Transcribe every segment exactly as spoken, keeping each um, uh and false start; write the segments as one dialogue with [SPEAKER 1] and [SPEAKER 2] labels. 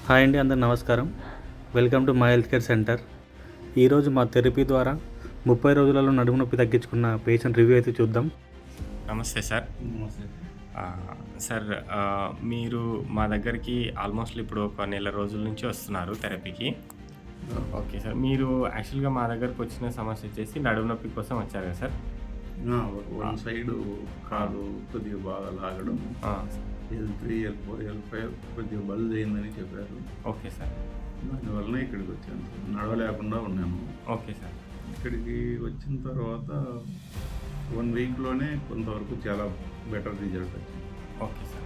[SPEAKER 1] Hi అండి, అందరు నమస్కారం. Welcome to my health care centre. ఈరోజు మా థెరపీ ద్వారా ముప్పై రోజులలో నడుము నొప్పి తగ్గించుకున్న పేషెంట్ రివ్యూ అయితే చూద్దాం.
[SPEAKER 2] నమస్తే సార్.
[SPEAKER 1] నమస్తే
[SPEAKER 2] సార్, మీరు మా దగ్గరికి ఆల్మోస్ట్ ఇప్పుడు ఒక నెల రోజుల నుంచి వస్తున్నారు థెరపీకి. ఓకే సార్, మీరు యాక్చువల్గా మా దగ్గరకు వచ్చిన సమస్య వచ్చేసి నడుము నొప్పి కోసం వచ్చారు కదా సార్?
[SPEAKER 3] వన్ సైడ్ కాలు కొద్దిగా బాగా లాగడం, L three L four L five కొద్దిగా బల్జ్ అయిందని చెప్పారు.
[SPEAKER 2] Okay sir.
[SPEAKER 3] దానివల్ల ఇక్కడికి వచ్చాను సార్. నడవలేకుండా ఉన్నాను.
[SPEAKER 2] Okay sir.
[SPEAKER 3] ఇక్కడికి వచ్చిన తర్వాత వన్ వీక్లోనే కొంతవరకు చాలా బెటర్ రిజల్ట్ వచ్చింది.
[SPEAKER 2] Okay sir.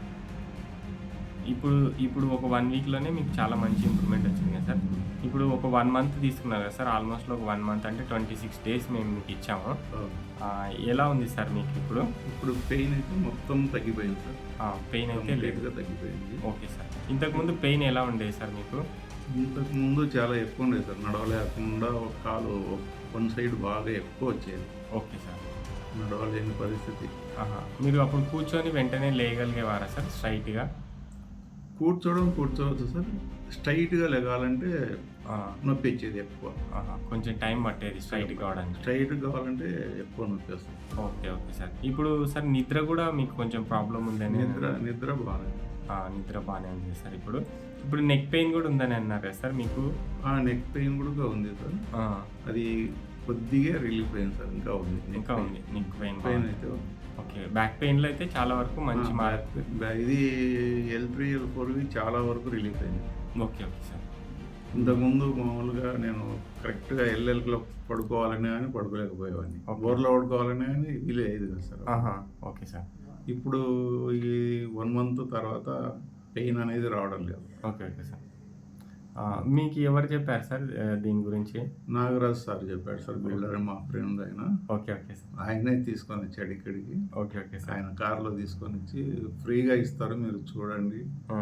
[SPEAKER 2] ఇప్పుడు ఇప్పుడు ఒక వన్ వీక్లోనే మీకు చాలా మంచి ఇంప్రూవ్మెంట్ వచ్చింది కదా సార్? ఇప్పుడు ఒక వన్ మంత్ తీసుకున్నారు కదా సార్? ఆల్మోస్ట్ ఒక వన్ మంత్ అంటే ట్వంటీ సిక్స్ డేస్ మేము మీకు ఇచ్చాము. ఎలా ఉంది సార్ మీకు ఇప్పుడు?
[SPEAKER 3] ఇప్పుడు పెయిన్ అయితే మొత్తం తగ్గిపోయింది సార్.
[SPEAKER 2] పెయిన్ అయితే
[SPEAKER 3] లేట్గా తగ్గిపోయింది.
[SPEAKER 2] Okay sir. ఇంతకుముందు పెయిన్ ఎలా ఉండేది సార్ మీకు?
[SPEAKER 3] ఇంతకు ముందు చాలా ఎక్కువ ఉండేది సార్. నడవలేకుండా ఒక కాలు వన్ సైడ్ బాగా ఎక్కువ వచ్చేది.
[SPEAKER 2] Okay sir.
[SPEAKER 3] నడవలేని పరిస్థితి.
[SPEAKER 2] మీరు అప్పుడు కూర్చొని వెంటనే లేయగలిగేవారా సార్ స్ట్రైట్గా?
[SPEAKER 3] కూర్చోవడం కూర్చోవచ్చు సార్. స్ట్రైట్గా లెగాలంటే నొప్పి వచ్చేది ఎక్కువ.
[SPEAKER 2] కొంచెం టైం పట్టేది స్ట్రైట్ కావడానికి.
[SPEAKER 3] స్ట్రైట్ కావాలంటే ఎక్కువ నొప్పి వస్తుంది.
[SPEAKER 2] Okay okay sir. ఇప్పుడు సార్ నిద్ర కూడా మీకు కొంచెం ప్రాబ్లం ఉందని?
[SPEAKER 3] నిద్ర నిద్ర బాగా
[SPEAKER 2] నిద్ర బాగానే ఉంది సార్. ఇప్పుడు ఇప్పుడు నెక్ పెయిన్ కూడా ఉందని అన్నారు కదా సార్ మీకు?
[SPEAKER 3] నెక్ పెయిన్ కూడా ఉంది సార్. అది కొద్దిగా రిలీఫ్ అయింది సార్. ఇంకా ఉంది
[SPEAKER 2] ఇంకా ఉంది నెక్ పెయిన్
[SPEAKER 3] పెయిన్ అయితే.
[SPEAKER 2] ఓకే. బ్యాక్ పెయిన్లో అయితే చాలా వరకు మంచి
[SPEAKER 3] ఇది ఎల్ త్రీ ఎల్ ఫోర్ చాలా వరకు రిలీఫ్ అయింది.
[SPEAKER 2] Okay okay sir.
[SPEAKER 3] ఇంతకుముందు మామూలుగా నేను కరెక్ట్గా ఎల్ఎల్లో పడుకోవాలని కానీ పడుకోలేకపోయేవాడిని. బోర్లో పడుకోవాలని కానీ వీలు అయ్యేది కదా సార్.
[SPEAKER 2] Okay sir.
[SPEAKER 3] ఇప్పుడు ఈ వన్ మంత్ తర్వాత పెయిన్ అనేది రావడం లేదు.
[SPEAKER 2] Okay okay sir. మీకు ఎవరు చెప్పారు సార్ దీని గురించి?
[SPEAKER 3] నాగరాజ్ సార్ చెప్పాడు సార్. బిల్డర్ మా ఫ్రెండ్ ఆయన.
[SPEAKER 2] Okay okay sir.
[SPEAKER 3] ఆయనే తీసుకొని వచ్చాడు ఇక్కడికి.
[SPEAKER 2] Okay okay sir.
[SPEAKER 3] ఆయన కార్లో తీసుకొని వచ్చి ఫ్రీగా ఇస్తారు, మీరు చూడండి,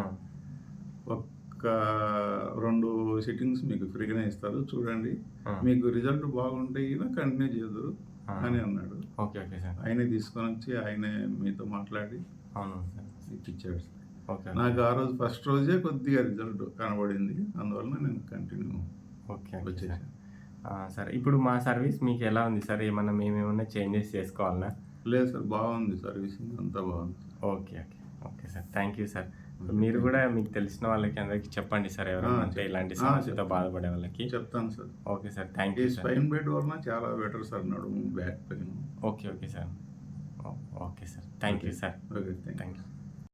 [SPEAKER 3] ఒక్క రెండు సిట్టింగ్స్ మీకు ఫ్రీగానే ఇస్తారు, చూడండి, మీకు రిజల్ట్ బాగుంటే కంటిన్యూ చేద్దరు అని అన్నాడు.
[SPEAKER 2] Okay okay sir.
[SPEAKER 3] ఆయనే తీసుకొని వచ్చి ఆయనే మీతో మాట్లాడి
[SPEAKER 2] అవును సార్
[SPEAKER 3] ఇచ్చాడు సార్.
[SPEAKER 2] ఓకే.
[SPEAKER 3] నాకు ఆ రోజు ఫస్ట్ రోజే కొద్దిగా రిజల్ట్ కనబడింది. అందువల్ల నేను కంటిన్యూ
[SPEAKER 2] ఓకే వచ్చేసాను సార్. ఇప్పుడు మా సర్వీస్ మీకు ఎలా ఉంది సార్? ఏమన్నా మేమేమన్నా చేంజెస్ చేసుకోవాలన్నా?
[SPEAKER 3] లేదు సార్, బాగుంది సర్వీసింగ్ అంతా బాగుంది.
[SPEAKER 2] Okay okay okay sir. Thank you sir. మీరు కూడా మీకు తెలిసిన వాళ్ళకి అందరికి చెప్పండి సార్, ఎవరైనా అంటే ఇలాంటి సమస్యతో బాధపడే వాళ్ళకి
[SPEAKER 3] చెప్తాను sir.
[SPEAKER 2] Okay sir. Thank you.
[SPEAKER 3] Spine bed వలన చాలా బెటర్ సార్ నడుము, back pain.
[SPEAKER 2] Okay okay sir. Okay sir. Thank you sir.
[SPEAKER 3] Okay, thank you.